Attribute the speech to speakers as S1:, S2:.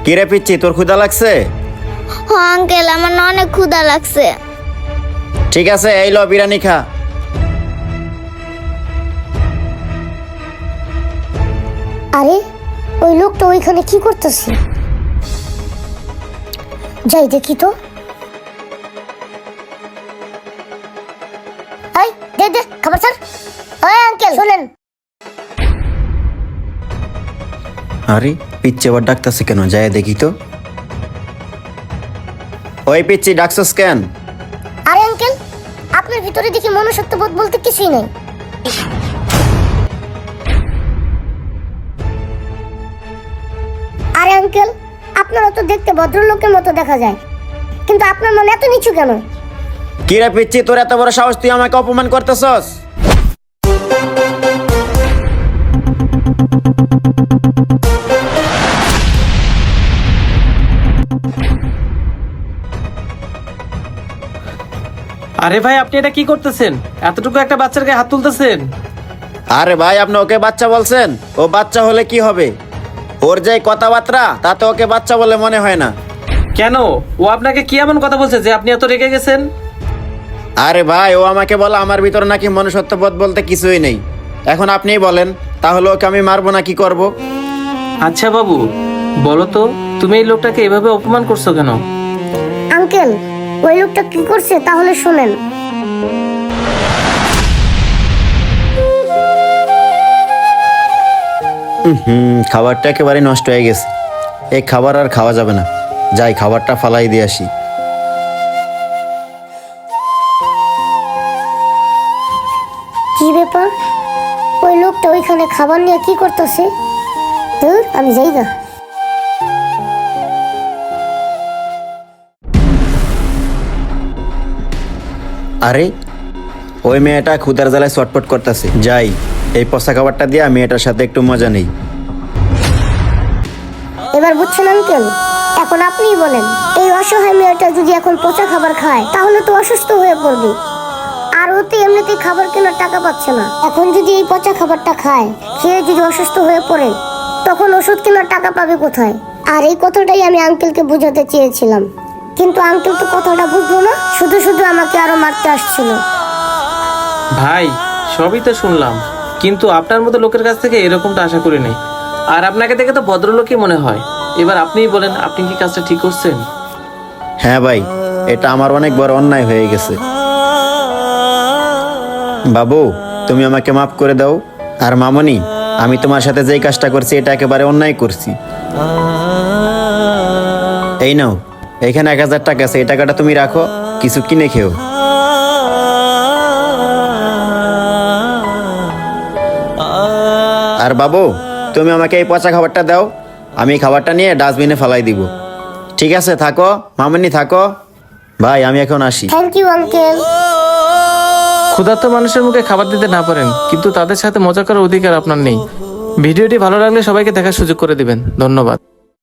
S1: কিরে পিচ্ছি, তোর ক্ষুধা লাগছে?
S2: হ্যাঁ আঙ্কেল, আমার না অনেক ক্ষুধা লাগছে।
S1: ঠিক আছে, এই ল বিরিয়ানি খা।
S3: আরে ওই লোকটা ওইখানে কি করতেছে? যাই দেখি তো। এই দে দে খাবার স্যার। ওই আঙ্কেল শুনেন।
S1: আরে পিচ্ছি আবার ডাকতেছে কেন? যায় দেখি তো। ওই পিচ্ছি, ডাকছস কেন?
S3: আরে আঙ্কেল, আপনার ভিতরে দেখি মনুষ্যত্ববোধ বলতে কিছুই নেই। আরে আঙ্কেল, আপনারা তো দেখতে ভদ্রলোকের মতো দেখা যায়, কিন্তু আপনার মন এত নিচু কেন?
S1: কিরে পিচ্ছি, তোর এত বড় সাহস, তুই আমাকে অপমান করতেছস?
S4: আরে ভাই, আপনি এটা কি করতেছেন? এতটুকু একটা বাচ্চার গায়ে হাত তুলতেছেন?
S1: আরে ভাই, আপনি ওকে বাচ্চা বলছেন? ও বাচ্চা হলে কি হবে? ওর যে কথাবার্তা, তাতে ওকে বাচ্চা বলে মনে হয় না।
S4: কেন, ও আপনাকে কি এমন কথা বলছে যে আপনি এত রেগে গেছেন?
S1: আরে ভাই, ও আমাকে বলে আমার ভিতরে নাকি মনুষ্যত্ববোধ বলতে কিছুই নেই। এখন আপনিই বলেন, তাহলে ওকে আমি মারবো না কি করব?
S4: আচ্ছা বাবু, বলো তো, তুমি এই লোকটাকে এভাবে অপমান করছো কেন?
S3: আঙ্কেল, ওই লোকটা কি করছে তাহলে শুনেন।
S1: খাবারটা একেবারে নষ্ট হয়ে গেছে। এই খাবার আর খাওয়া যাবে না। যাই, খাবারটা ফালাই দিয়ে আসি।
S3: কি ব্যাপার? ওই লোকটা ওইখানে খাবার নিয়ে কি করতেছে? ধুর, আমি যাই না।
S1: আরে ওই মেয়েটা ক্ষুদার জ্বালায় চটপট করতেছে। যাই, এই পচা খাবারটা দিয়ে মেয়েটার সাথে একটু মজা নেই।
S3: এবার বুঝছেন আঙ্কেল? এখন আপনিই বলেন, এই অসহায় মেয়েটা যদি এখন পচা খাবার খায় তাহলে তো অসুস্থ হয়ে পড়বে। আর ও তো এমনিতেই খাবার কেনার টাকা পাচ্ছে না। এখন যদি এই পচা খাবারটা খায়, খেয়ে যদি অসুস্থ হয়ে পড়ে, তখন ওষুধ কেনার টাকা পাবে কোথায়? আর এই কথাটাই আমি আঙ্কেলকে বোঝাতে চেয়েছিলাম, কিন্তু আঙ্কেল তো কথাটা বুঝলো না, শুধু শুধু আমাকে আরো মারতে আসছিল।
S4: ভাই, সবই তো শুনলাম, কিন্তু আপনার মতো লোকের কাছ থেকে এরকমটা আশা করি নাই। আর আপনাকে দেখে তো ভদ্রলোকই মনে হয়। এবার আপনিই বলেন, আপনি কি কাজটা ঠিক করছেন?
S1: হ্যাঁ ভাই, এটা আমার অনেক বড় অন্যায় হয়ে গেছে। বাবু, তুমি আমাকে মাফ করে দাও। আর মামনি, আমি তোমার সাথে যেই কাজটা করছি এটা একেবারে অন্যায় করছি। এই নাও, এখানে 1000 টাকা আছে, এই টাকাটা তুমি রাখো, কিছু কিনে খেও। আর বাবু, তুমি আমাকে এই পচা খাবারটা দাও, আমি খাবারটা নিয়ে ডাস্টবিনে ফেলাই দিব। ঠিক আছে, থাকো মামনি, থাকো। ভাই, আমি এখন আসি।
S3: Thank you uncle.
S4: ক্ষুধার্ত মানুষের মুখে খাবার দিতে না পারেন, কিন্তু তাদের সাথে মজা করার অধিকার আপনার নেই। ভিডিওটি ভালো লাগলে সবাইকে দেখার সুযোগ করে দিবেন। ধন্যবাদ।